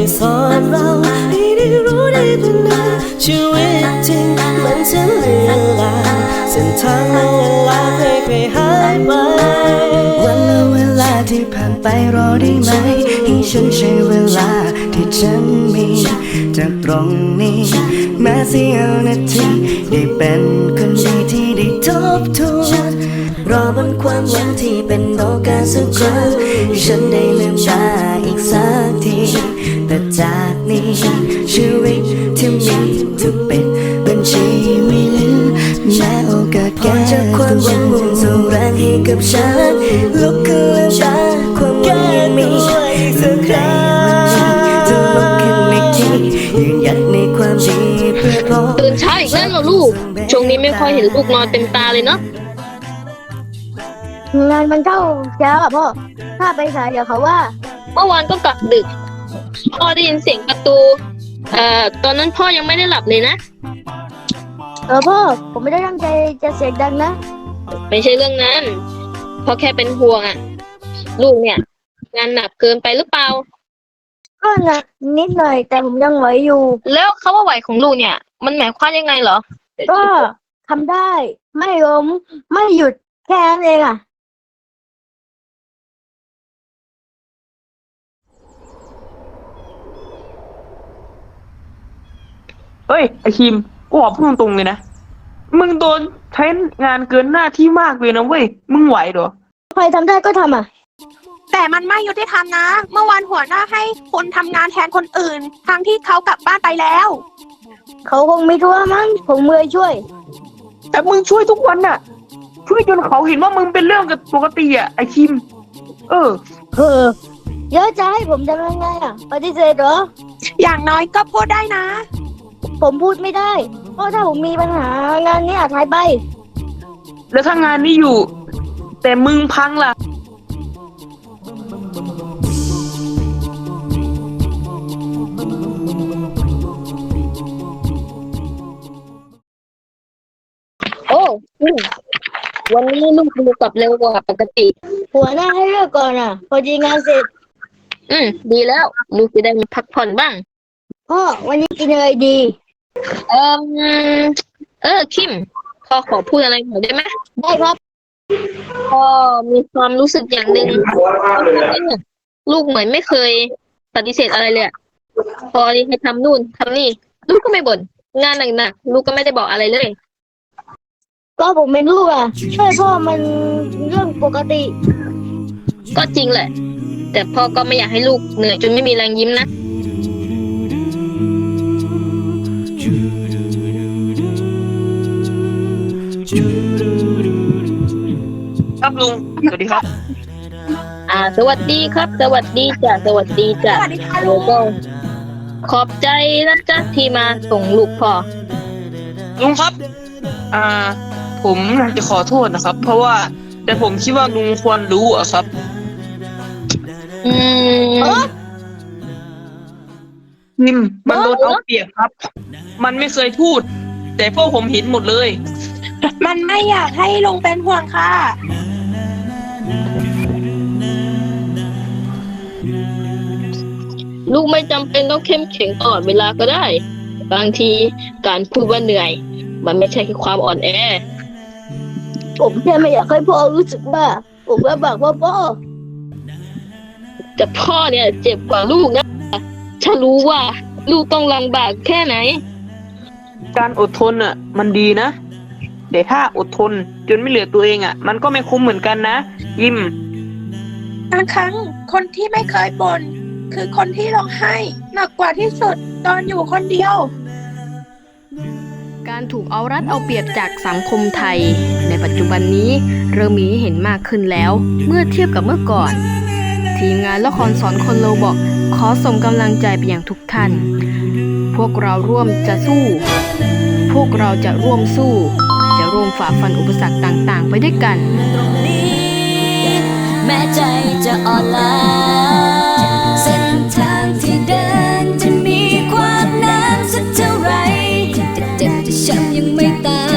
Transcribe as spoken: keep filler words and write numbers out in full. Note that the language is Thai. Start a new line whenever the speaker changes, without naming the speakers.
สอนเราให้ได้รู้ได้ตระหนักชีวิตจริงมันจะเลือนลางเส้นทางและเวลาไม่เคยหายไปวันและเวลาที่ผ่านไปรอได้ไหมให้ฉันใช้เวลาที่ฉันมีจากตรงนี้แม้เสี้ยวนาทีได้เป็นคนดีที่ได้ทบทวนรอบนความหวังที่เป็นโอกาสสักครั้งฉันได้ลืมตาอีกสักทีแต่จากนี้ชีวิตที่มีทุกเป็นบัญชีไม่เหลือแม้โอกาสแก่จากความหวังมุ่งส่งแรงให้กับฉันลุกขึ้นลืมตาความหวังยังมีสักครั้งจะลุกขึ้นอีกทียืนหยัดในความดีเพื่อพบ
ตื่นเช้าอีกแล้วเหรอลูกช่วงนี้ไม่ค่อยเห็นลูกนอนเต็มตาเลยเนาะ
งานมันเข้าเช้าอ่ะพ่อถ้าไปสายเดี๋ยวเขาว่า
เมื่อวานก็กลับดึกพ่อได้ยินเสียงประตูเอ่อตอนนั้นพ่อยังไม่ได้หลับเลยนะ
เออพ่อผมไม่ได้ตั้งใจจะเสียงดังนะ
ไม่ใช่เรื่องนั้นพ่อแค่เป็นห่วงอ่ะลูกเนี่ยงานหนักเกินไปหรือเปล่า
ก็หนักนิดหน่อยแต่ผมยังไหวอยู่
แล้วคำว่าไหวของลูกเนี่ยมันหมายความยังไงเหรอ
ก็ทำได้ไม่ล้มไม่หยุดแค่นั้นเองอ่ะ
เอ้ยไอคิมกูบอกพูดตรงๆเลยนะมึงโดนใช้งานเกินหน้าที่มากเลยนะเว้ยมึงไหวเหรอ
ใครทำได้ก็ทำอ่ะ
แต่มันไม่ยุติธรรมนะเมื่อวานหัวหน้าให้คนทำงานแทนคนอื่นทั้งที่เขากลับบ้านไปแล้ว
เขาคงไม่ทั่วมั้งผมเมื่อยช่วย
แต่มึงช่วยทุกวันน่ะช่วยจนเขาเห็นว่ามึงเป็นเรื่องปกติอ่ะไอคิมเออ
เออเยอะจะให้ผมทำยังไงอ่ะปฏิเสธเหรอ
อย่างน้อยก็พูดได้นะ
ผมพูดไม่ได้เพราะถ้าผมมีปัญหางานนี้อาจหายไป
แล้วถ้างานนี้อยู่แต่มึงพังล่ะ
โอ้วันนี้ลูกดูกลับเร็วกว่าปกติ
หัวหน้าให้เลิกก่อนอ่ะพอดีงานเสร็จ
อืมดีแล้วลูกจะได้มาพักผ่อนบ้าง
พ่อวันนี้กินอะไรดี
เออเออคิมพ่อขอพูดอะไรหน่อยได้ไหม
ได้ครับ
พ่อมีความรู้สึกอย่างหนึ่งลูกเหมือนไม่เคยปฏิเสธอะไรเลยพอให้ทำนู่นทำนี่ลูกก็ไม่บ่นงานหนักๆลูกก็ไม่ได้บอกอะไรเลย
ก็ผมเป็นลูกอ่ะช่วยพ่อมันเรื่องปกติ
ก็จริงแหละแต่พ่อก็ไม่อยากให้ลูกเหนื่อยจนไม่มีแรงยิ้มนะครับ
ลุงสวัสดีครับ
อ่าสวัสดีครับสวัสดีจ้ะสวัสดีจ้ะแล้วก็ขอบใจนะจ๊ะที่มาส่งลูกพ่อ
ลุงครับอ่าผมอยากจะขอโทษนะครับเพราะว่าแต่ผมคิดว่าลุงควรรู้อะครับ
อืม
นิมมันโดนเอาเปรียบครับมันไม่เคยพูดแต่พวกผมเห็นหมดเลย
มันไม่อยากให้ลุงเป็นห่วงค่ะ
ลูกไม่จำเป็นต้องเข้มแข็งตลอดเวลาก็ได้บางทีการพูดว่าเหนื่อยมันไม่ใช่แค่ความอ่อนแอ
ผมแค่ไม่อยากให้พ่อรู้สึกว่าผมลำบากพ่อพ่อ
แต่พ่อเนี่ยเจ็บกว่าลูกนะถ้ารู้ว่าลูกต้องลำบากแค่ไหน
การอดทนอ่ะมันดีนะแต่ถ้าอดทนจนไม่เหลือตัวเองอ่ะมันก็ไม่คุ้มเหมือนกันนะยิ้ม
บางครั้งคนที่ไม่เคยบ่นคือคนที่ร้องไห้หนักกว่าที่สุดตอนอยู่คนเดียว
การถูกเอารัดเอาเปรียบจากสังคมไทยในปัจจุบันนี้เริ่มมีให้เห็นมากขึ้นแล้วเมื่อเทียบกับเมื่อก่อนทีมงานละครสอนคนโลบอกขอส่งกำลังใจไปยังทุกท่านพวกเราร่วมจะสู้พวกเราจะร่วมสู้จะร่วมฝ่าฟันอุปสรรคต่างๆไปด้วยกัน
ตรงนี้แม้ใจจะอ่อนล้าเส้นทางที่เดินจะมีความน้ำสักเท่าไรจะเจ็บจะช้ำยังไม่ตาย